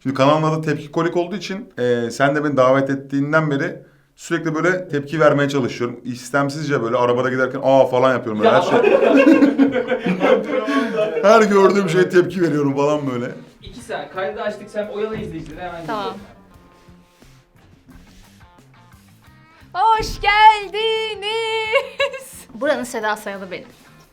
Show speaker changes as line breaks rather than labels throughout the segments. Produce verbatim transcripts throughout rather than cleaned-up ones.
Şimdi kanalın adı Tepki Kolik olduğu için e, sen de beni davet ettiğinden beri sürekli böyle tepki vermeye çalışıyorum. İstemsizce böyle arabada giderken aa falan yapıyorum böyle her şey. Her gördüğüm şeye tepki veriyorum falan böyle.
İki saniye kaydı açtık, sen oyala izleyicileri hemen.
Tamam. Hoş geldiniz. Buranın Seda Sayalı benim.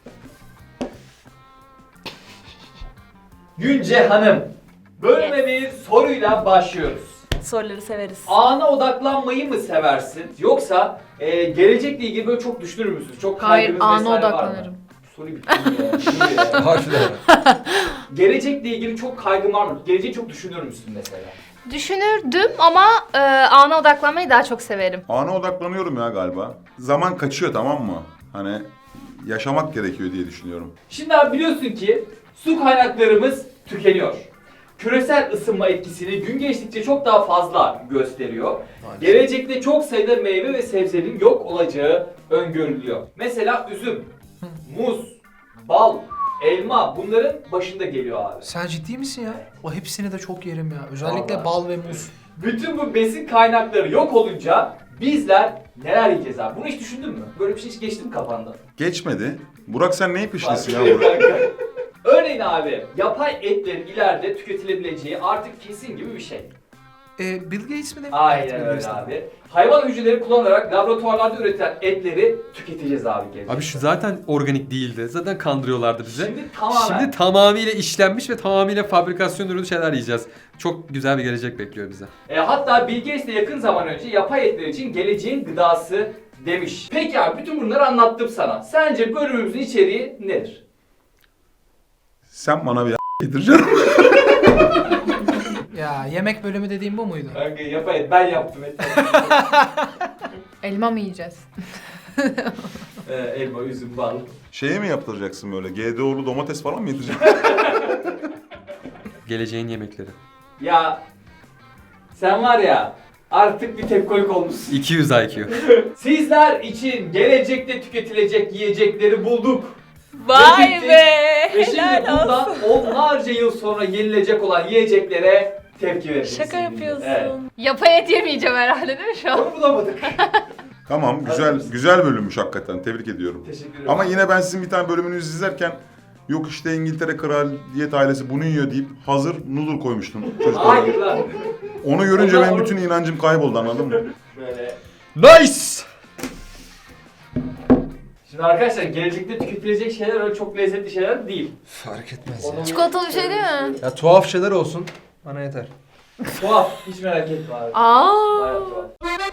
Günce Hanım, bölüme bir soruyla başlıyoruz.
Soruları severiz.
Ana odaklanmayı mı seversin yoksa e, gelecekle ilgili böyle çok düşünür müsün? Çok
Hayır,
kaygınız
ana
vesaire var mı?
odaklanırım.
Soruyu bitirdim ya. Şimdi ya.
Harbiden.
Gelecekle ilgili çok kaygın var mı? Geleceği çok düşünür müsün mesela?
Düşünürdüm ama e, ana odaklanmayı daha çok severim.
Ana odaklanıyorum ya galiba. Zaman kaçıyor, tamam mı? Hani yaşamak gerekiyor diye düşünüyorum.
Şimdi abi biliyorsun ki su kaynaklarımız tükeniyor. Küresel ısınma etkisini gün geçtikçe çok daha fazla gösteriyor.
Maalesef.
Gelecekte çok sayıda meyve ve sebzenin yok olacağı öngörülüyor. Mesela üzüm, muz, bal, elma bunların başında geliyor abi.
Sen ciddi misin ya? O hepsini de çok yerim ya. Özellikle
Vallahi.
bal ve muz.
Bütün bu besin kaynakları yok olunca bizler neler yiyeceğiz abi? Bunu hiç düşündün mü? Böyle bir şey hiç geçti mi kafandan?
Geçmedi. Burak sen neyi peşindesin ya
Bak,
Burak?
Örneğin abi, yapay etlerin ileride tüketilebileceği artık kesin gibi bir şey.
Ee, Bill Gates mi demiş?
Aynen
Evet, Bill
öyle
Gates de.
abi. Hayvan hücreleri kullanarak laboratuvarlarda üretilen etleri tüketeceğiz abi gelecekte.
Abi şu zaten organik değildi. Zaten kandırıyorlardı bize.
Şimdi tamamen.
Şimdi tamamıyla işlenmiş ve tamamıyla fabrikasyon ürünü şeyler yiyeceğiz. Çok güzel bir gelecek bekliyor bize.
E, hatta Bill Gates de yakın zaman önce yapay etler için geleceğin gıdası demiş. Peki abi bütün bunları anlattım sana. Sence bölümümüzün içeriği nedir?
Sen bana bir yedireceksin.
Ya yemek bölümü dediğim bu muydu?
Kanka yapay et ben yaptım et.
Elma mı yiyeceğiz?
e, elma, üzüm, bal.
Şeye mi yaptıracaksın böyle? G D O'lu domates falan mı yedireceksin?
Geleceğin yemekleri.
Ya sen var ya artık bir tepkolik olmuşsun.
iki yüz I Q.
Sizler için gelecekte tüketilecek yiyecekleri bulduk.
Vay
Getirdik.
be!
Ve şimdi
Helal
bundan
olsun.
onlarca yıl sonra yenilecek olan yiyeceklere tepki vereceğiz.
Şaka yapıyorsun.
Evet.
Yapay et yemeyeceğim herhalde değil mi şu an?
Onu bulamadık.
Tamam, güzel güzel bölümmüş hakikaten. Tebrik ediyorum.
Teşekkür ederim.
Ama yine ben sizin bir tane bölümünüzü izlerken yok işte İngiltere kraliyet ailesi bunu yiyor deyip hazır noodle koymuştum çocuklara.
Hayır lan.
Onu görünce
Ondan
benim
or-
bütün inancım kayboldu, anladın mı?
Böyle.
Nice!
Şimdi arkadaşlar gelecekte tüketilecek şeyler öyle çok lezzetli şeyler değil.
Fark etmez
Onu-
Çikolatalı bir şey değil mi?
Ya tuhaf şeyler olsun. Bana yeter.
Tuhaf. Hiç merak etme abi.
Aa.
Bayağı tuhaf.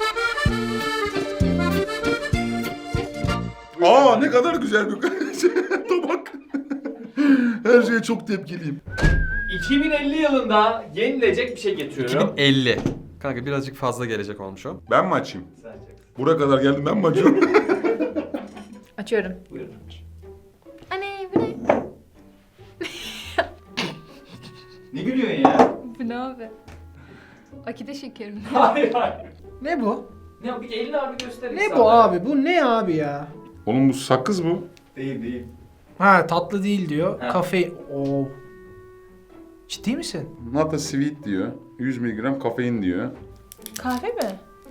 Aa ne kadar güzel bir tabak. Her şeye çok tepkiliyim.
iki bin elli yılında yenilecek bir şey getiriyorum.
iki bin elli. Kanka birazcık fazla gelecek olmuş o.
Ben mi açayım?
Sen çek.
Buraya kadar geldim, ben mi açıyorum?
Açıyorum.
Buyurun.
Anne bu ne?
Ne gülüyorsun ya?
Bu ne abi? Akide şekerim.
Hayır hayır.
Ne bu?
Ne bir elini abi göster.
Ne
insanlara.
bu abi? Bu ne abi ya?
Oğlum bu sakız bu.
Değil değil.
Ha tatlı değil diyor.
Ha.
Kafe... Oo. Ciddi misin?
Not a sweet diyor. yüz miligram kafein diyor.
Kahve mi?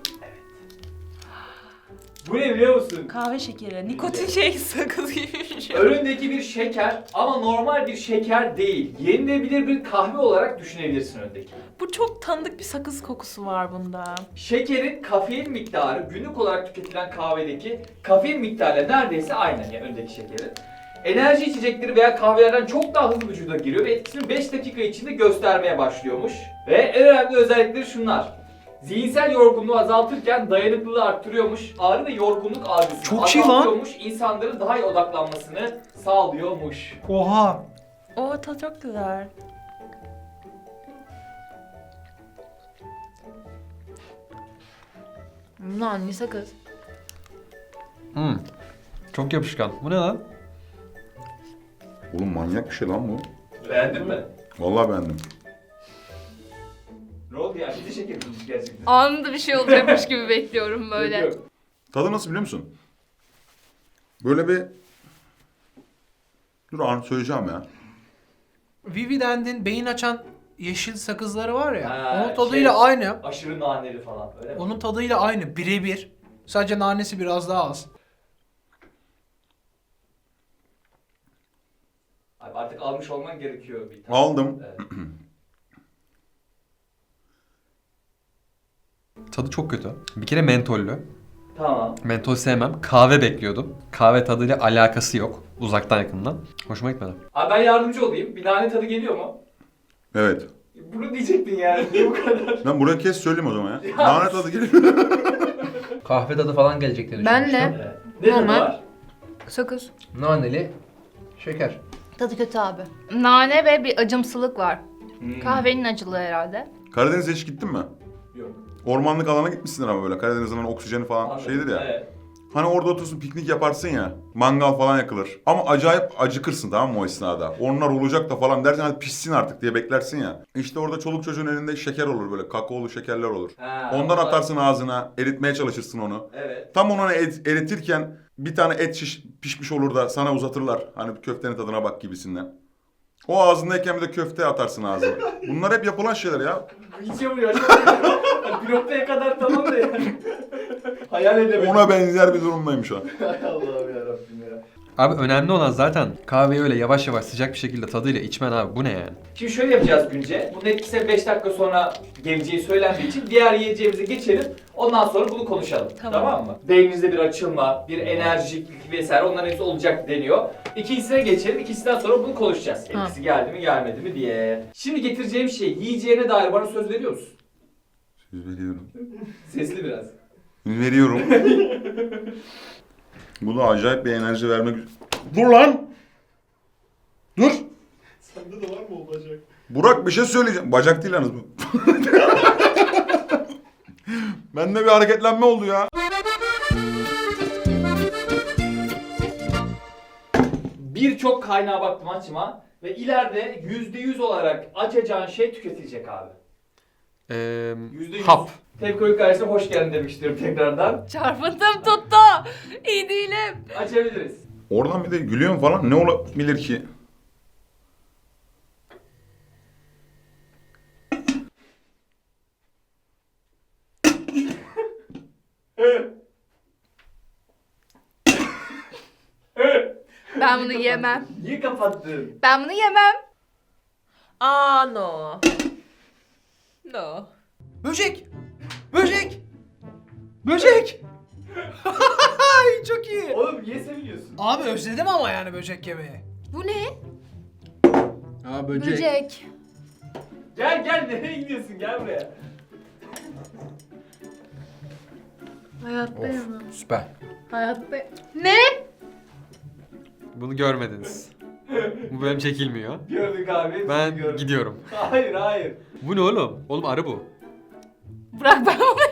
Bu ne biliyor musun?
Kahve şekeri. Nikotin şey sakız gibi bir şey.
Önündeki bir şeker ama normal bir şeker değil. Yenilebilir bir kahve olarak düşünebilirsin öndeki.
Bu çok tanıdık bir sakız kokusu var bunda.
Şekerin kafein miktarı günlük olarak tüketilen kahvedeki kafein miktarıyla neredeyse aynı, yani öndeki şekerin. Enerji içecekleri veya kahvelerden çok daha hızlı vücuda giriyor ve etkisini beş dakika içinde göstermeye başlıyormuş. Ve en önemli özellikleri şunlar. Zihinsel yorgunluğu azaltırken dayanıklılığı arttırıyormuş. Ağrı ve yorgunluk algısını
Çok iyi lan.
azaltıyormuş. İnsanların daha iyi odaklanmasını sağlıyormuş.
Oha.
O tadı çok güzel.
Lan ne sakız?
Hmm. Çok yapışkan. Bu ne lan?
Oğlum manyak bir şey lan bu.
Beğendin mi?
Vallahi beğendim.
Ne oldu ya? Bizi şeker bulmuş gerçekten.
Anında bir şey olacakmış gibi bekliyorum böyle.
Yok.
Tadı nasıl biliyor musun? Böyle bir... Dur an söyleyeceğim ya.
Vividend'in beyin açan yeşil sakızları var ya.
Ha,
onun tadıyla
şey-
aynı.
Aşırı naneli falan öyle mi?
Onun tadıyla aynı. Birebir. Sadece nanesi biraz daha az.
Abi artık almış olman gerekiyor bir tane.
Aldım.
Evet.
Tadı çok kötü. Bir kere mentollü.
Tamam.
Mentol sevmem. Kahve bekliyordum. Kahve tadıyla alakası yok. Uzaktan yakından. Hoşuma gitmedi.
Abi ben yardımcı olayım. Bir nane tadı geliyor mu?
Evet.
Bunu diyecektin yani. Niye bu kadar?
Ben buraya kes söyleyeyim o zaman ya. Nane tadı geliyor.
Kahve tadı falan gelecek diye
Ben
düşünmüştüm.
de.
Evet. Ne tadı
Normal.
var?
Sakız.
Naneli şeker.
Tadı kötü abi. Nane ve bir acımsılık var.
Hmm.
Kahvenin acılığı herhalde.
Karadeniz'e hiç gittin mi?
Yok.
Ormanlık alana gitmişsindir ama böyle. Karadeniz'in hani oksijeni falan
Anladım.
şeydir ya.
Evet.
Hani orada otursun piknik yaparsın ya. Mangal falan yakılır. Ama acayip acıkırsın tamam mı o esnada. Onlar olacak da falan dersin hadi pişsin artık diye beklersin ya. İşte orada çoluk çocuğun elinde şeker olur böyle. Kakaolu şekerler olur.
Ha,
Ondan
onlar-
atarsın ağzına. Eritmeye çalışırsın onu.
Evet.
Tam onu et, eritirken bir tane et şiş, pişmiş olur da sana uzatırlar. Hani köftenin tadına bak gibisinden. O ağzındayken bir de köfte atarsın ağzına. Bunlar hep yapılan şeyler ya.
İçe vuruyor. Bir noktaya kadar tamam da yani. Hayal edemedim.
Ona benzer bir durumdayım şu an.
Hay Allah'ım yarabbim ya.
Abi önemli olan zaten kahveyi öyle yavaş yavaş sıcak bir şekilde tadıyla içmen abi. Bu ne yani?
Şimdi şöyle yapacağız Günce. Bunun etkisi beş dakika sonra geleceği söylendiği için diğer yiyeceğimize geçelim. Ondan sonra bunu konuşalım. Tamam,
Tamam.
mı? Beyninizde bir açılma, bir enerjiklik vesaire onların hepsi olacak deniyor. İkincisine geçelim. İkisinden sonra bunu konuşacağız.
Tamam.
Etkisi geldi mi gelmedi mi diye. Şimdi getireceğim şey yiyeceğine dair bana söz veriyor musun?
Söz veriyorum.
Sesli biraz.
Veriyorum. Bu da acayip bir enerji vermek... Dur lan! Dur!
Sende de var mı o bacak?
Burak bir şey söyleyeceğim. Bacak değil yalnız bu. Bende bir hareketlenme oldu ya.
Birçok kaynağa baktım açma ve ileride yüzde yüz olarak açacağın şey tüketilecek abi.
Ee,
Yüzde yüz.
hap.
Tepkoyu karşısına hoş geldin demek istiyorum tekrardan.
Çarpıntım tuttu. İyi değilim.
Açabiliriz.
Oradan bir de gülüyorum falan. Ne olabilir ki?
Ben bunu yemem.
Niye kapattın?
Ben bunu yemem.
Aa no. No.
Böcek! Böcek! Böcek! Ay, çok iyi.
Oğlum niye seviniyorsun?
Abi özledim ama yani böcek yemeği.
Bu ne?
Aa
Böcek.
Gel gel nereye gidiyorsun gel buraya.
Hayatta yemem.
Süper.
Hayatta. Ne?
Bunu görmediniz. Bu bölüm çekilmiyor.
Gördük abi.
Ben
gördük.
gidiyorum.
Hayır hayır.
Bu ne oğlum? Oğlum arı bu.
Bırak ben bunu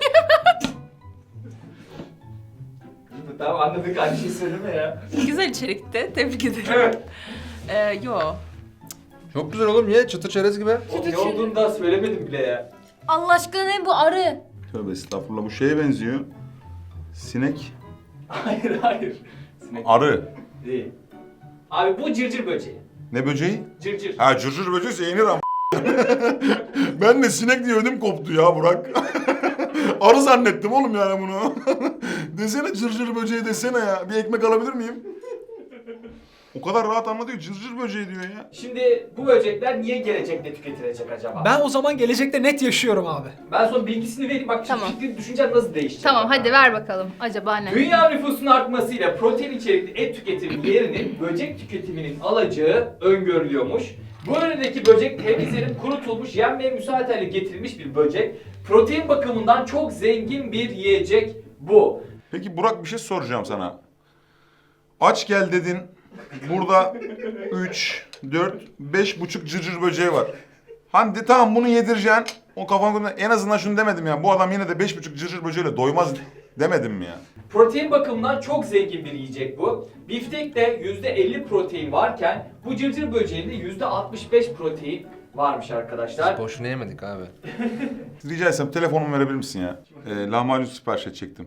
Tamam anladık aynı şey söyleme ya.
Güzel içerikti. Tebrik ederim.
Evet.
Ee, yo.
Çok güzel oğlum ye çıtır çerez gibi.
Oğlum ne olduğunu daha söylemedim bile ya.
Allah aşkına ne bu arı?
Tövbe estağfurullah bu şeye benziyor. Sinek.
Hayır hayır. Sinek
Arı.
değil. Abi bu cırcır böceği.
Ne böceği?
Cırcır.
Ha cırcır böceği yenir ama. Ben de sinek diye ödüm koptu ya Burak. Arı zannettim oğlum yani bunu. Desene cırcır böceği desene ya. Bir ekmek alabilir miyim? O kadar rahat anlatıyor. Cırcır böceği diyor ya.
Şimdi bu böcekler niye gelecekte tüketilecek acaba?
Ben o zaman gelecekte net yaşıyorum abi.
Ben son bilgisini vereyim bak
Tamam.
fikrin düşüncen nasıl değişecek.
Tamam
bak.
hadi ver bakalım. Acaba ne?
Dünya nüfusunun artmasıyla protein içerikli et tüketimi yerinin böcek tüketiminin alacağı öngörülüyormuş. Bu önündeki böcek temizlenip kurutulmuş, yenmeye müsait hale getirilmiş bir böcek. Protein bakımından çok zengin bir yiyecek bu.
Peki Burak bir şey soracağım sana. Aç gel dedin. Burada üç, dört, beş buçuk cırcır böceği var. Hani de, tamam bunu yedireceksin. O kafamda en azından şunu demedim ya. Bu adam yine de beş buçuk cırcır böceğiyle doymaz demedim mi ya?
Protein bakımından çok zengin bir yiyecek bu. Biftekte yüzde elli protein varken bu cırcır böceğinde yüzde altmış beş protein varmış arkadaşlar.
Boşuna yemedik abi.
Rica etsem telefonumu verebilir misin ya? Ee, lahmacun sipariş edecektim.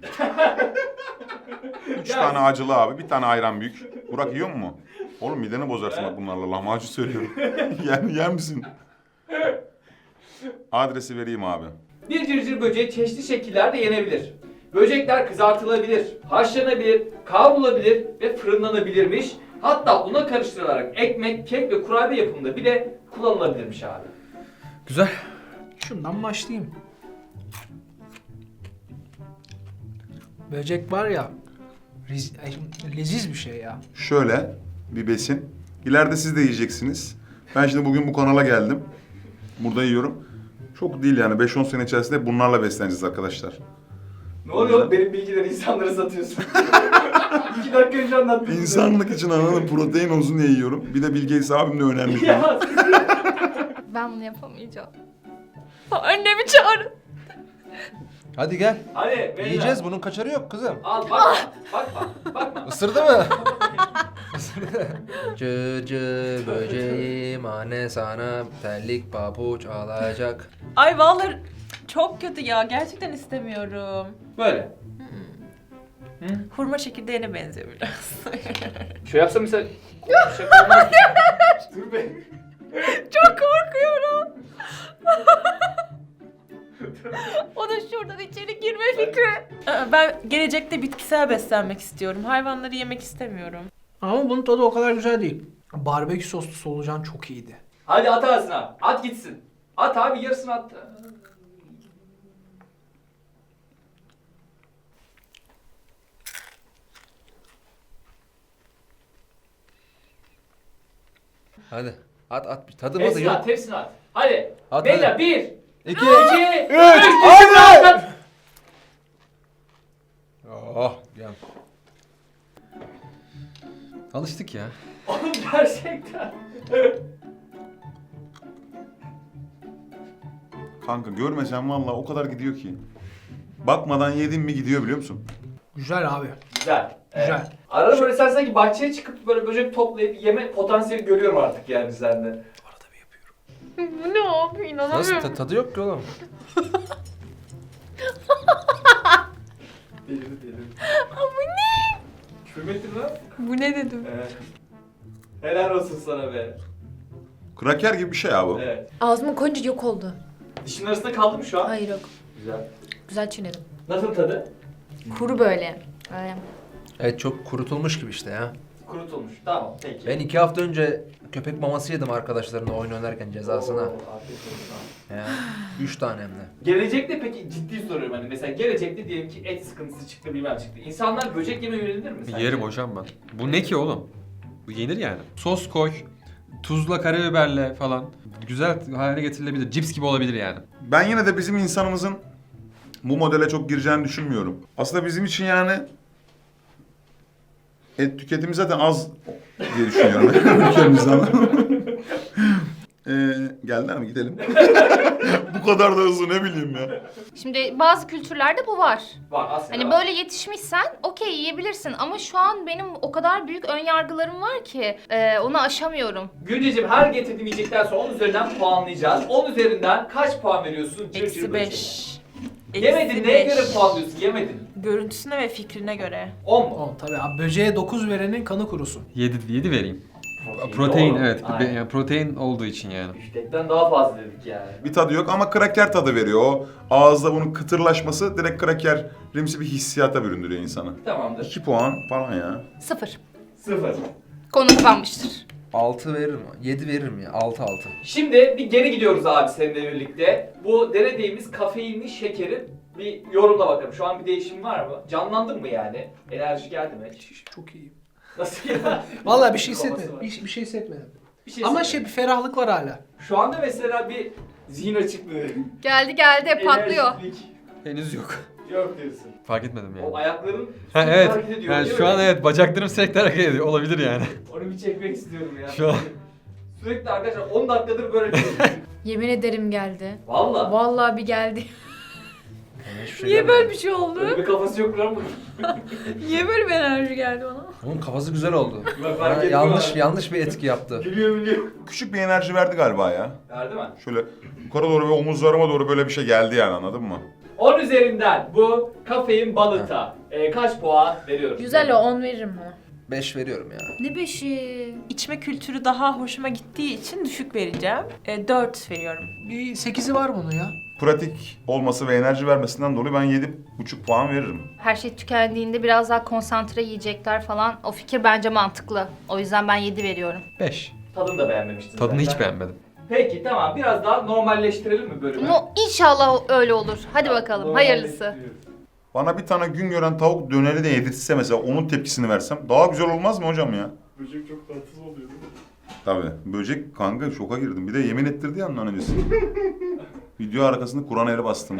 Üç
Ya-
tane acılı abi, bir tane ayran büyük. Burak yiyor mu? Oğlum mideni bozarsın bak bunlarla. Lahmacun söylüyorum. Yer, yer misin? Adresi vereyim abi.
Bir cırcır böceği çeşitli şekillerde yenebilir. Böcekler kızartılabilir, haşlanabilir, kavrulabilir ve fırınlanabilirmiş. Hatta una karıştırılarak ekmek, kek ve kurabiye yapımında bile kullanılabilirmiş abi.
Güzel.
Şundan başlayayım. Böcek var ya, riz, ay, leziz bir şey ya.
Şöyle bir besin. İleride siz de yiyeceksiniz. Ben şimdi bugün bu kanala geldim. Burada yiyorum. Çok değil yani beş on sene içerisinde bunlarla besleneceğiz arkadaşlar.
Ne oluyor? Benim bilgileri insanlara satıyorsun. İki dakika önce anlattın.
İnsanlık için anladım protein olsun diye yiyorum. Bir de Bill Gates abim de önemli.
Ya.
Ben bunu yapamayacağım.
Annemi çağırın.
Hadi gel.
Hadi beyler.
Yiyeceğiz, bunun kaçarı yok kızım.
Al bakma. Bakma. Bakma.
Isırdı mı? Cırcır böceğim anne sana terlik pabuç alacak.
Ay vallahi çok kötü ya. Gerçekten istemiyorum.
Böyle.
Hurma çekirdeğine benziyor biraz.
Şöyle yapsam mesela... Şaka olmaz. Dur be.
Çok korkuyorum. O da şuradan içeri girme fikri. Aa, Ben gelecekte bitkisel beslenmek istiyorum. Hayvanları yemek istemiyorum.
Ama bunun tadı o kadar güzel değil. Barbekü soslu solucan çok iyiydi.
Hadi at ağzına. At gitsin. At abi yarısını at.
Hadi at at. Tadı madı
Hepsini
yok.
at, hepsini at. Hadi.
At,
Beyler
hadi.
bir,
İki.
iki, üç,
Hadi. Oh gel.
Alıştık ya.
Oğlum gerçekten.
Kanka görmesen vallahi o kadar gidiyor ki. Bakmadan yedin mi gidiyor biliyor musun?
Güzel abi.
Güzel. Evet.
Güzel.
Arada böyle sen sanki bahçeye çıkıp böyle böcek toplayıp yeme potansiyeli görüyorum artık yani sende.
Arada bir yapıyorum.
Bu ne abi?
Nasıl
İnanamıyorum.
ta- tadı yok ki oğlum.
Delirdi delirdi. Bu ne? Küfür mü ettin lan?
Bu ne dedim?
Evet. Helal olsun sana be.
Kraker gibi bir şey ya bu.
Evet.
Ağzıma koyunca yok oldu.
Dişin arasında kaldı mı şu an?
Hayır yok.
Güzel.
Güzel çiğnedim.
Nasıl tadı?
Kuru böyle. Ay.
Evet çok kurutulmuş gibi işte ya.
Kurutulmuş. Tamam peki.
Ben iki hafta önce köpek maması yedim arkadaşlarımla oyun oynarken cezasına.
Oo, afiyet olsun.
Ya, üç tane hem de.
Gelecekte peki ciddi soruyorum hani mesela gelecekte diyelim ki et sıkıntısı çıktı bilmem çıktı. İnsanlar böcek yemeye yönelir mi sence?
Yerim hocam ben. Bu ne ki oğlum? Bu yenir yani. Sos koy, tuzla, karabiberle falan. Güzel hale getirilebilir. Cips gibi olabilir yani.
Ben yine de bizim insanımızın bu modele çok gireceğini düşünmüyorum. Aslında bizim için yani et tüketimi zaten az diye düşünüyorum. Ülkemizden. ee, geldiler mi gidelim? Bu kadar da hızlı ne bileyim ya.
Şimdi bazı kültürlerde bu var.
Var aslında
Hani
var.
böyle yetişmişsen okey yiyebilirsin ama şu an benim o kadar büyük ön yargılarım var ki e, onu aşamıyorum.
Günceciğim her getirdiğim yiyecekten sonra on üzerinden puanlayacağız. on üzerinden kaç puan veriyorsun? Cır
Eksi
cır
beş.
böceğe?
Eksi
Yemedin neye
beş.
göre puanlıyorsun? Yemedin.
Görüntüsüne ve fikrine göre.
on mu?
O tabii abi böceğe dokuz verenin kanı kurusun.
yedi, yedi vereyim. Protein
doğru.
evet.
Aynen.
Yani protein olduğu için yani.
Biftekten daha fazla dedik yani.
Bir tadı yok ama kraker tadı veriyor. O ağızda bunun kıtırlaşması direkt krakerimsi bir hissiyata büründürüyor insanı.
Tamamdır.
iki puan falan ya.
Sıfır.
Sıfır.
Konu kapanmıştır.
altı veririm. yedi veririm ya. altı altı.
Şimdi bir geri gidiyoruz abi seninle birlikte. Bu denediğimiz kafeinli şekerin bir yorumla bakalım. Şu an bir değişim var mı? Canlandın mı yani? Enerji geldi mi?
Çok iyi.
Nasıl ya?
Vallahi bir şey
Kafası
hissetmedim.
var.
Bir, bir şey hissetmedim.
Bir şey
Ama
söyleyeyim.
şey bir ferahlık var hala.
Şu anda mesela bir zihin açıklığı.
Geldi geldi patlıyor.
enerjiklik
Henüz yok.
Yok diyorsun.
Fark etmedim yani.
O ayakların
Ha
sürekli
evet.
hareket ediyor.
Yani
değil
şu
mi?
an evet bacaklarım sürekli hareket ediyor. Olabilir yani.
Onu bir çekmek istiyorum ya.
Şu an.
Sürekli arkadaşlar on dakikadır böyle bir
Yemin ederim geldi.
Valla.
Vallahi bir geldi.
Yani hiçbir şey
Niye
gelmedi.
böyle bir şey oldu?
Böyle bir kafası yok lan bunun.
Niye böyle bir enerji geldi bana?
Onun kafası güzel oldu.
Bak, fark
Ha,
ettim
yanlış
abi.
yanlış bir etki yaptı.
Gülüyor biliyor.
Küçük bir enerji verdi galiba ya.
Verdi mi?
Şöyle yukarı doğru ve omuzlarıma doğru böyle bir şey geldi yani anladın mı?
on üzerinden bu kafein balıta e, kaç puan veriyoruz?
Güzel o on veririm ona.
beş veriyorum ya.
Ne beşi?
İçme kültürü daha hoşuma gittiği için düşük vereceğim. E, dört veriyorum.
Bir sekizi var bunun ya.
Pratik olması ve enerji vermesinden dolayı ben yedi buçuk puan veririm.
Her şey tükendiğinde biraz daha konsantre yiyecekler falan. O fikir bence mantıklı. O yüzden ben yedi veriyorum.
beş.
Tadını da beğenmemiştin
Tadını
zaten.
hiç beğenmedim.
Peki tamam, biraz daha normalleştirelim mi bölümü?
No, inşallah öyle olur. Hadi bakalım. Hayırlısı.
Normalleştiriyoruz.
Bana bir tane gün gören tavuk döneri de yedirtse mesela onun tepkisini versem daha güzel olmaz mı hocam ya?
Böcek çok tatsız oluyor değil mi?
Tabii. Böcek kanka şoka girdim. Bir de yemin ettirdi ya ondan öncesi. Video arkasında Kur'an eli bastım.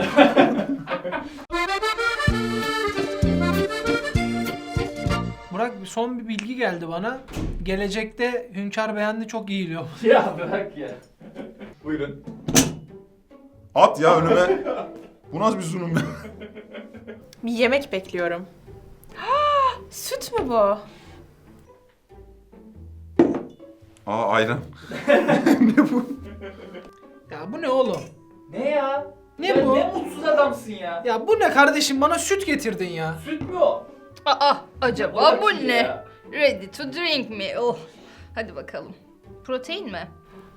Burak bir son bir bilgi geldi bana. Gelecekte Hünkar Beğendi çok iyiliyor.
Ya bırak ya. Buyurun.
At ya önüme. Bu nasıl bir sunum ya?
Bir yemek bekliyorum. Süt mü bu?
Aa ayran.
Ya bu ne oğlum?
Ne ya?
Ne
Ya
bu?
Ne mutsuz adamsın ya.
Ya bu ne kardeşim, bana süt getirdin ya.
Süt mü o?
Aa, acaba
Bırak
bu
şimdi
ne?
ya.
Ready to drink mi? Oh. Hadi bakalım. Protein mi?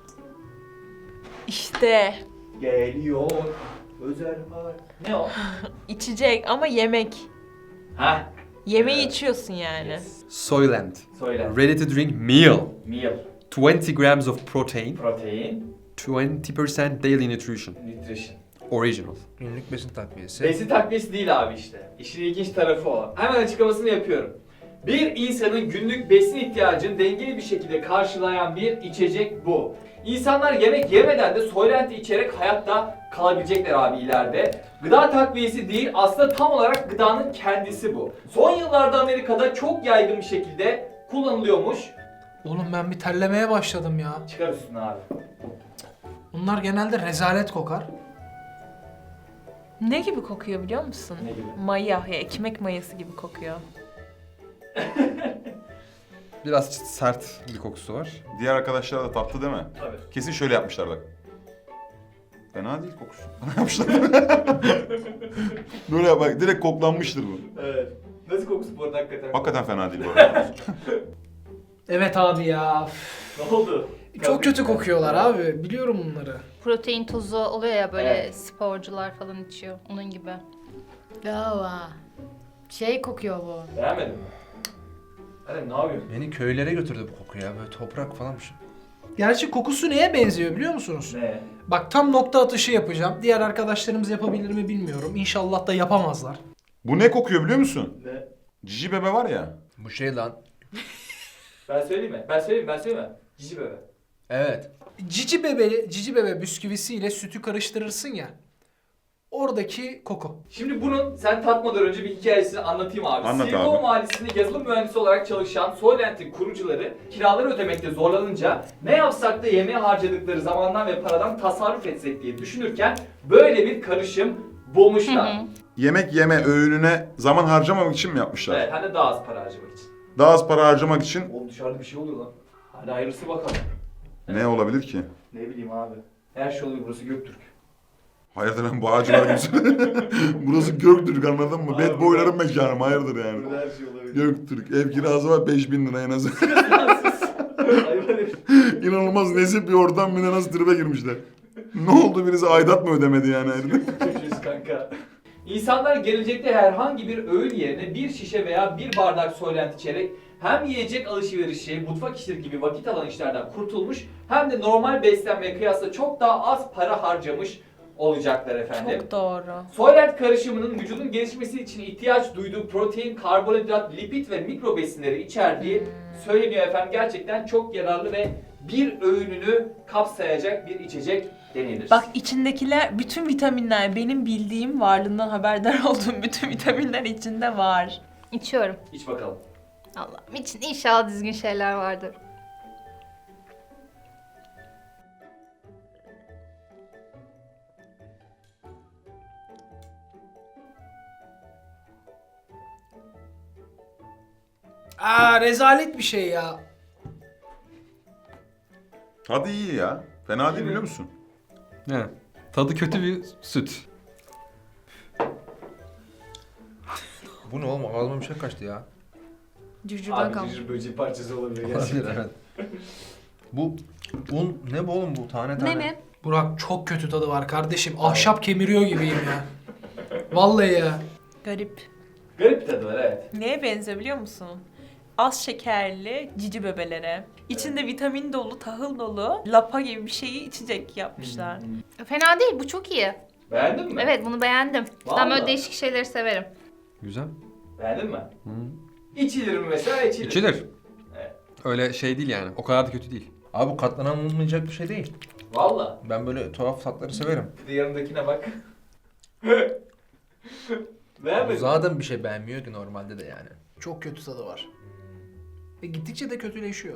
İşte
Geliyor. Özel var. Ne o?
içecek ama yemek.
Ha?
Yemeği
Evet.
içiyorsun yani.
Yes.
Soylent.
Söyle.
Ready to drink meal.
Meal.
twenty grams of protein.
Protein.
twenty percent daily nutrition.
Nutrition.
Original.
Günlük besin takviyesi.
Besin takviyesi değil abi işte. İşin ilginç tarafı o. Hemen açıklamasını yapıyorum. Bir insanın günlük besin ihtiyacını dengeli bir şekilde karşılayan bir içecek bu. İnsanlar yemek yemeden de Soylent'i içerek hayatta kalabilecekler abi ileride. Gıda takviyesi değil, aslında tam olarak gıdanın kendisi bu. Son yıllarda Amerika'da çok yaygın bir şekilde kullanılıyormuş.
Oğlum ben bir terlemeye başladım ya.
Çıkar üstüne abi.
Bunlar genelde rezalet kokar.
Ne gibi kokuyor biliyor musun?
Ne gibi?
Maya, ya ekmek mayası gibi kokuyor.
Biraz sert bir kokusu var.
Diğer arkadaşlar da tatlı değil mi?
Tabii.
Kesin şöyle yapmışlar bak. Fena değil kokusu. yapmışlar. Böyle yap bak direkt koklanmıştır bu.
Evet. Nasıl kokusu bu arada hakikaten?
Hakikaten fena değil bu arada.
Evet abi ya.
Ne oldu?
Çok kötü kokuyorlar abi. Biliyorum bunları.
Protein tozu oluyor ya böyle
Evet.
sporcular falan içiyor. Onun gibi.
Aa, şey kokuyor bu.
Beğenmedin mi? Hadi ne yapıyorsun?
Beni köylere götürdü bu koku ya. Böyle toprak falanmış.
Gerçi kokusu neye benziyor biliyor musunuz?
Ne?
Bak tam nokta atışı yapacağım. Diğer arkadaşlarımız yapabilir mi bilmiyorum. İnşallah da yapamazlar.
Bu ne kokuyor biliyor musun?
Ne?
Cici bebe var ya.
Bu şey lan.
Ben söyleyeyim mi? Ben söyleyeyim mi? Ben söyleyeyim mi? Cici bebe.
Evet.
Cici bebe, cici bebe bisküvisiyle sütü karıştırırsın ya. Oradaki koku.
Şimdi bunun sen tatmadan önce bir hikayesini anlatayım abi.
Anlat
Silikon
abi.
Vadisi'nde yazılım mühendisi olarak çalışan Soylent'in kurucuları kiraları ödemekte zorlanınca ne yapsak da yemeğe harcadıkları zamandan ve paradan tasarruf etsek diye düşünürken böyle bir karışım bulmuşlar.
Hı hı.
Yemek yeme öğününe zaman harcamamak için mi yapmışlar?
Evet, hem de daha az para harcamak için.
Daha az para harcamak için
Oğlum dışarıda bir şey oluyor lan. Hadi hayırlısı bakalım.
ne olabilir ki?
Ne bileyim abi. Her şey oluyor, burası Göktürk.
Hayırdır lan bu ağacılar gibi. Burası Göktürk anladın mı?
Abi,
Bad boyların mekanı hayırdır yani.
Burada her şey olabilir.
Göktürk. Ev kirası var beş bin lira en az.
Hayvan herif.
İnanılmaz nezih bir ortam bir de nasıl tribe girmişler. Ne oldu birisi aidat mı ödemedi yani?
Çocuğuz kanka. İnsanlar gelecekte herhangi bir öğün yerine bir şişe veya bir bardak Soylent içerek hem yiyecek alışverişi, mutfak işleri gibi vakit alan işlerden kurtulmuş hem de normal beslenmeye kıyasla çok daha az para harcamış olacaklar efendim.
Çok doğru.
Soylent karışımının vücudun gelişmesi için ihtiyaç duyduğu protein, karbonhidrat, lipid ve mikro besinleri içerdiği söyleniyor efendim. Gerçekten çok yararlı ve bir öğününü kapsayacak bir içecek denilir.
Bak içindekiler, bütün vitaminler, benim bildiğim, varlığından haberdar olduğum bütün vitaminler içinde var.
İçiyorum.
İç bakalım.
Allah'ım için inşallah düzgün şeyler vardır.
Aa rezalet bir şey ya.
Tadı iyi ya. Fena değil biliyor musun?
Ne? Tadı kötü bir süt.
Bu ne oğlum? Ağzıma bir şey kaçtı ya.
Cırcırdan
Abi
kalmış.
cırcır böceği parçası olabilir
Olabilir
gerçekten.
evet. Bu un ne bu oğlum bu tane tane?
Ne mi?
Burak çok kötü tadı var kardeşim. Ahşap kemiriyor gibiyim ya. Vallahi ya.
Garip.
Garip bir tadı var evet.
Neye benziyor biliyor musun? Az şekerli cici bebelere. İçinde vitamin dolu, tahıl dolu, lapa gibi bir şeyi içecek yapmışlar.
Fena değil, bu çok iyi.
Beğendin mi?
Evet, bunu beğendim. Ben
Vallahi.
böyle değişik şeyleri severim.
Güzel.
Beğendin mi?
Hı.
İçilir mi mesela? İçilir.
İçilir.
Evet.
Öyle şey değil yani. O kadar da kötü değil.
Abi bu katlanılmayacak bir şey değil.
Valla.
Ben böyle tuhaf tatları severim.
Bir de yanındakine bak.
Bu
Beğenmedin mi?
zaten bir şey beğenmiyor ki normalde de yani.
Çok kötü tadı var. Ve gittikçe de kötüleşiyor.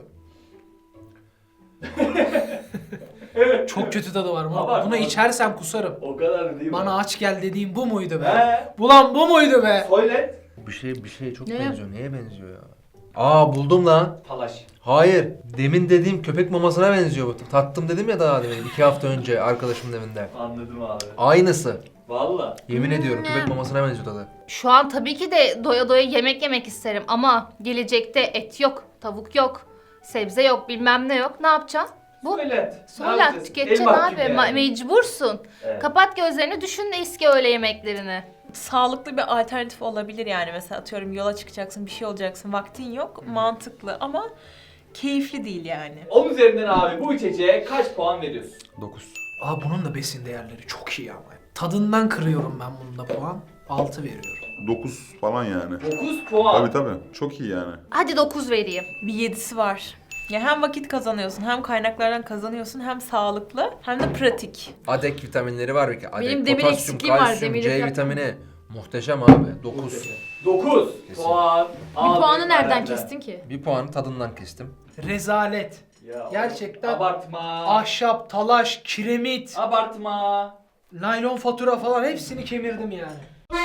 Çok kötü tadı var. Bunu,
Abartma
bunu
abi.
içersem kusarım.
O kadar değil mi?
Bana aç gel dediğim bu muydu be?
He.
Ulan bu muydu be?
Söylet.
Bir şey bir şey çok
Ne?
benziyor. Neye benziyor ya? Aa buldum lan.
Talaş.
Hayır. Demin dediğim köpek mamasına benziyor bu. Tattım dedim ya daha demin. iki hafta önce arkadaşımın evinde.
Anladım abi.
Aynısı.
Valla.
Yemin ediyorum
Hmm.
köpek mamasına benziyor tadı.
Şu an tabii ki de doya doya yemek yemek isterim ama gelecekte et yok, tavuk yok, sebze yok, bilmem ne yok. Ne yapacaksın? Bu
Söylet. Ne
Soğlat
yapacağız?
tüketeceksin
El mahkum
abi.
yani.
Ma- mecbursun.
Evet.
Kapat gözlerini, düşün de eski öğle yemeklerini.
Sağlıklı bir alternatif olabilir yani. Mesela atıyorum yola çıkacaksın, bir şey olacaksın, vaktin yok. Mantıklı ama keyifli değil yani.
Onun üzerinden abi bu içeceğe kaç puan veriyorsun?
dokuz.
Aa bunun da besin değerleri çok iyi ama. Tadından kırıyorum ben bunun da puan. altı veriyorum.
dokuz falan yani.
dokuz puan.
Tabii tabii. Çok iyi yani.
Hadi dokuz vereyim.
Bir yedisi var. Ya hem vakit kazanıyorsun, hem kaynaklardan kazanıyorsun, hem sağlıklı, hem de pratik.
Adek vitaminleri var bir kere. Adek,
Benim demir
potasyum,
eksikliğim var,
kalsiyum,
demir
C
yok.
vitamini. Muhteşem abi. dokuz.
dokuz
Kesin.
puan.
Bir
Abi,
puanı nereden
benden.
kestin ki?
Bir puanı tadından kestim.
Rezalet.
Ya,
Gerçekten
Abartma.
ahşap, talaş, kiremit,
Abartma.
naylon fatura falan hepsini kemirdim yani.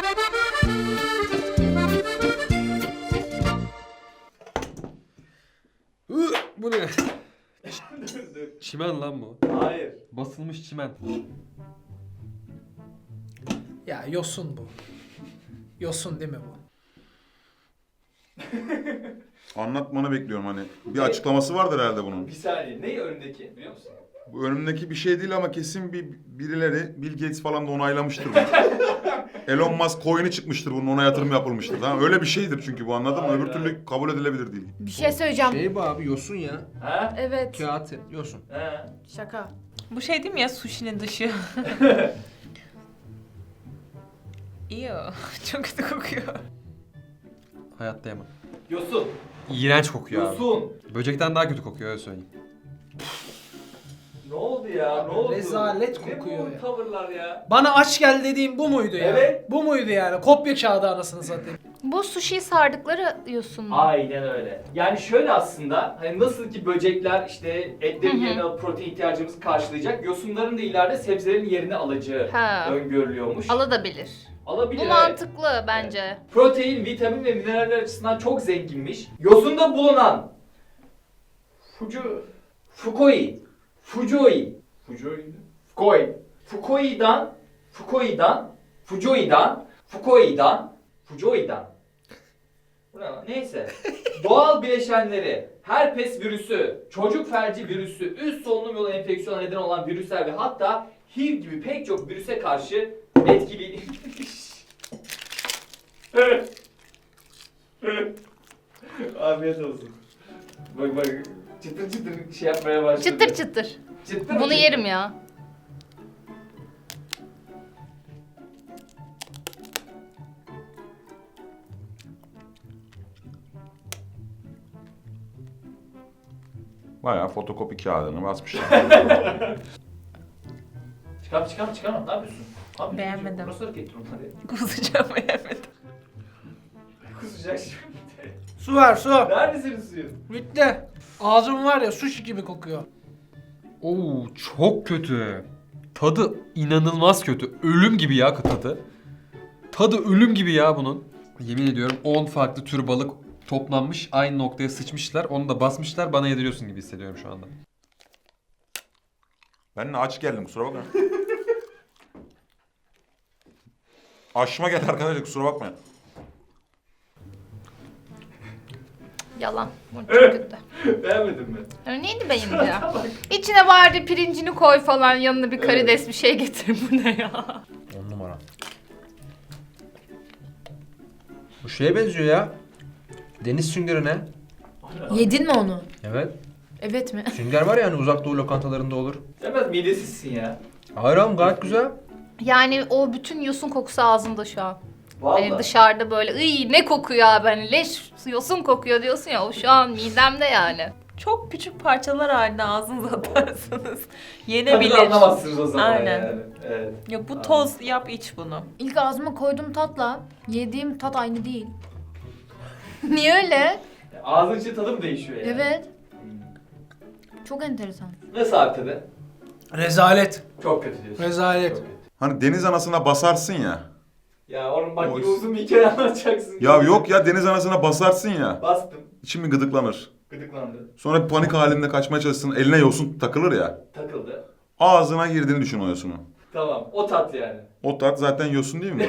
Bu ne? Çimen lan bu.
Hayır.
Basılmış çimen.
Ya yosun bu. Yosun değil mi bu?
Anlatmanı bekliyorum hani. Bir açıklaması vardır herhalde bunun.
Bir saniye. Ne önündeki biliyor musun?
Bu önümdeki bir şey değil ama kesin bir birileri, Bill Gates falan da onaylamıştır bunu. Elon Musk coin'i çıkmıştır bunun, ona yatırım yapılmıştır. Tamam, öyle bir şeydir çünkü bu, anladın mı?
Aynen.
Öbür türlü kabul edilebilir değil.
Bir şey söyleyeceğim.
Şey bu abi yosun ya.
Ha?
Evet.
Kağıt yosun.
Ha?
Şaka.
Bu şey değil mi ya sushi'nin dışı? İyi o. Çok kötü kokuyor.
Hayatta yemem.
Yosun.
İğrenç kokuyor abi.
Yosun.
Böcekten daha kötü kokuyor öyle söyleyeyim.
Ne oldu ya? Ne oldu?
Rezalet
Ne
kokuyor
bu
ya.
tavırlar ya?
Bana aç gel dediğim bu muydu ya?
Evet.
Bu muydu yani? Kopya kağıdı anasını satayım.
Bu sushi'yi sardıkları yosun mu?
Aynen öyle. Yani şöyle aslında hani nasıl ki böcekler işte etlerin
Hı hı.
yerine alıp protein ihtiyacımızı karşılayacak, yosunların da ileride sebzelerin yerini alacağı
Ha.
öngörülüyormuş.
Alabilir.
Alabilir.
Bu
evet.
mantıklı bence.
Protein, vitamin ve mineraller açısından çok zenginmiş. Yosunda bulunan Fuju Fukui Fujoi Fujoi Fukui Fukui'dan Fukui'dan Fujoi'dan Fukui'dan Fujoi'dan Bu ne lan? Neyse. Doğal bileşenleri, herpes virüsü, çocuk felci virüsü, üst solunum yolu enfeksiyona neden olan virüsler ve hatta H I V gibi pek çok virüse karşı etkili. Afiyet olsun. Bak bak çıtır çıtır şey yapmaya başladı.
Çıtır çıtır.
Çıtır
Bunu
çıtır.
yerim ya.
Bayağı fotokopi kağıdını basmışlar.
Çıkar çıkar çıkar ne yapıyorsun? Abi,
Beğenmedim.
Burası hareket durumları.
Kusacağım beğenmedim.
Kusacak şimdi.
Su ver su.
Nerede senin suyun?
Bitti. Ağzım var ya sushi gibi kokuyor.
Oo çok kötü. Tadı inanılmaz kötü. Ölüm gibi ya tadı. Tadı ölüm gibi ya bunun. Yemin ediyorum on farklı tür balık toplanmış aynı noktaya sıçmışlar. Onu da basmışlar, bana yediriyorsun gibi hissediyorum şu anda.
Ben de aç geldim, kusura bakma. Aşma geldi arkadaşlar, kusura bakmayın.
Yalan. Bu çok kötü.
Beğenmedin mi?
Yani neydi benim ya? İçine bari pirincini koy falan, yanına bir karides bir şey getir. Bu ne ya?
On numara. Bu şeye benziyor ya. Deniz süngerine.
Yedin mi onu?
Evet.
Evet mi?
Sünger var ya hani uzak doğu lokantalarında olur.
Sen biraz midesizsin ya.
Hayır oğlum gayet güzel.
Yani o bütün yosun kokusu ağzımda şu an.
Vallahi.
Hani dışarıda böyle ıy ne kokuyor abi, hani leş yosun kokuyor diyorsun ya, o şu an midemde yani.
Çok küçük parçalar halinde ağzınıza atarsanız
Tadını
yenebilir.
anlamazsınız o zaman
Aynen.
yani. Evet.
Ya bu toz yap iç bunu.
İlk ağzıma koyduğum tatla yediğim tat aynı değil.
Niye öyle?
Ağzın içi tadı mı değişiyor yani?
Evet.
Hmm.
Çok enteresan.
Nasıl abi tadı?
Rezalet.
Çok kötü diyorsun.
Rezalet.
Çok kötü.
Hani deniz anasına basarsın ya.
Ya onun bak
O-
yine uzun bir hikaye anlatacaksın.
Ya yok ya, deniz anasına basarsın ya.
Bastım.
İçin bir gıdıklanır.
Gıdıklandı.
Sonra bir panik halinde kaçmaya çalışsın. Eline yosun takılır ya.
Takıldı.
Ağzına girdiğini düşün o yosunu.
Tamam. O tat yani.
O tat zaten yosun değil mi?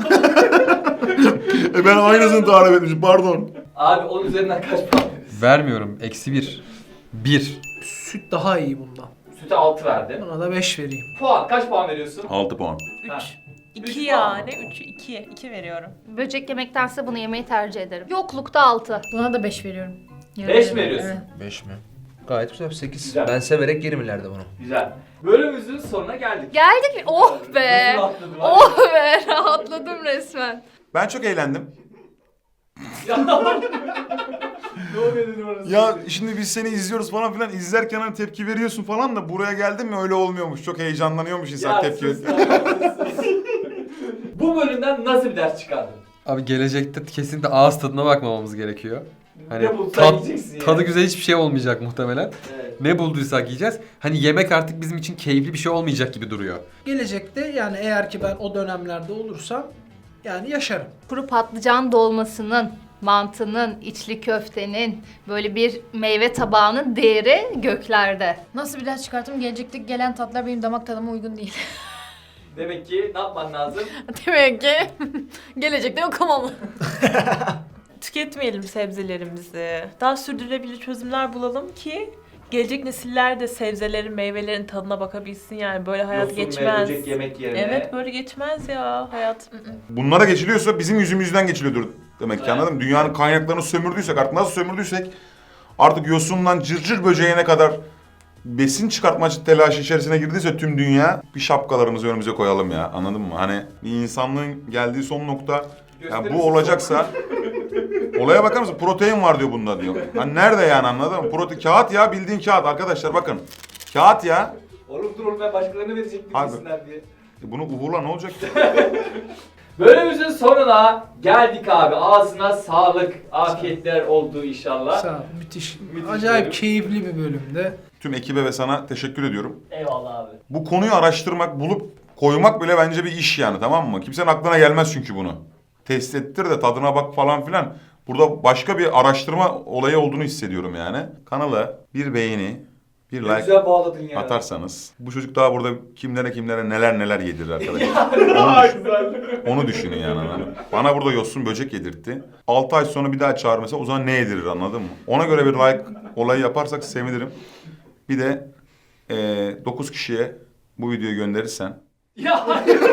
e ben aynısını tarif etmişim, pardon.
Abi onun üzerinden kaç puan verirsin?
Vermiyorum. Eksi bir. Bir.
Süt daha iyi bundan.
Süte altı verdim.
Buna da beş vereyim.
Puan. Kaç puan veriyorsun?
altı puan.
Ha.
üç.
Üç
iki
puan
yani. üç, iki. iki veriyorum.
Böcek yemektense bunu yemeyi tercih ederim. Yoklukta altı.
Buna da beş veriyorum.
Beş mi veriyorsun?
Evet.
beş mi? Gayet güzel. sekiz.
Güzel.
Ben severek yerim ileride bunu.
Güzel. Bölümümüzün sonuna geldik.
Geldik mi? Oh be!
Nasıl atladı var ya?
Oh be! Rahatladım resmen.
Ben çok eğlendim.
Ya. Ne oluyor dedim orası.
Ya şimdi biz seni izliyoruz falan filan, izlerken hani tepki veriyorsun falan da buraya geldin mi öyle olmuyormuş. Çok heyecanlanıyormuş insan
Ya
tepki
sus
ver-
ya, sus, sus. Bu bölümden nasıl bir ders çıkardın?
Abi gelecekte kesinlikle ağız tadına bakmamamız gerekiyor. Hani
Ne bulsan
tat,
yiyeceksin yani.
tadı güzel hiçbir şey olmayacak muhtemelen.
Evet.
Ne bulduysak yiyeceğiz. Hani yemek artık bizim için keyifli bir şey olmayacak gibi duruyor.
Gelecekte yani eğer ki ben o dönemlerde olursam yani yaşarım.
Kuru patlıcan dolmasının, mantının, içli köftenin, böyle bir meyve tabağının değeri göklerde.
Nasıl bir ders çıkarttım? Gelecekteki gelen tatlar benim damak tadıma uygun değil.
Demek ki ne yapman lazım?
Demek ki gelecekte okumam.
Tüketmeyelim sebzelerimizi. Daha sürdürülebilir çözümler bulalım ki gelecek nesiller de sebzelerin, meyvelerin tadına bakabilsin yani. Böyle hayat
Yosun ve
geçmez.
böcek yemek yerine.
Evet böyle geçmez ya hayat.
Bunlara geçiliyorsa bizim yüzümüzden geçiliyordur demek ki,
Evet.
anladın mı? Dünyanın kaynaklarını sömürdüysek, artık nasıl sömürdüysek artık yosundan cırcır böceğine kadar besin çıkartma telaşı içerisine girdiyse tüm dünya, bir şapkalarımızı önümüze koyalım ya, anladın mı? Hani bir insanlığın geldiği son nokta, ya
Gösterisi
bu olacaksa olaya bakar mısın? Protein var diyor bunda diyor. Hani nerede yani, anladın mı? Protein, kağıt ya, bildiğin kağıt arkadaşlar, bakın. Kağıt ya.
Oğlum dur oğlum, ben başkalarına verecektim
Abi.
yesinler diye.
E bunu uğurla ne olacak ki?
Bölümümüzün sonuna geldik abi. Ağzına sağlık, afiyetler oldu inşallah.
Sağ ol, müthiş.
Müthiş
Acayip
bölüm.
keyifli bir bölümde.
Tüm ekibe ve sana teşekkür ediyorum.
Eyvallah abi.
Bu konuyu araştırmak, bulup koymak bile bence bir iş yani, tamam mı? Kimsenin aklına gelmez çünkü bunu. Test ettir de tadına bak falan filan. Burada başka bir araştırma olayı olduğunu hissediyorum yani. Kanala bir beğeni, bir
Ne
like
güzel bağladın ya.
atarsanız, bu çocuk daha burada kimlere kimlere neler neler yedirir arkadaşlar.
Daha
onu, düşün-
güzel.
onu düşünün yani. anladın mı? Bana burada yosun böcek yedirtti. altı ay sonra bir daha çağır mesela, o zaman ne yedirir, anladın mı? Ona göre bir like olayı yaparsak sevinirim. Bir de dokuz kişiye bu videoyu gönderirsen
Ya hayır.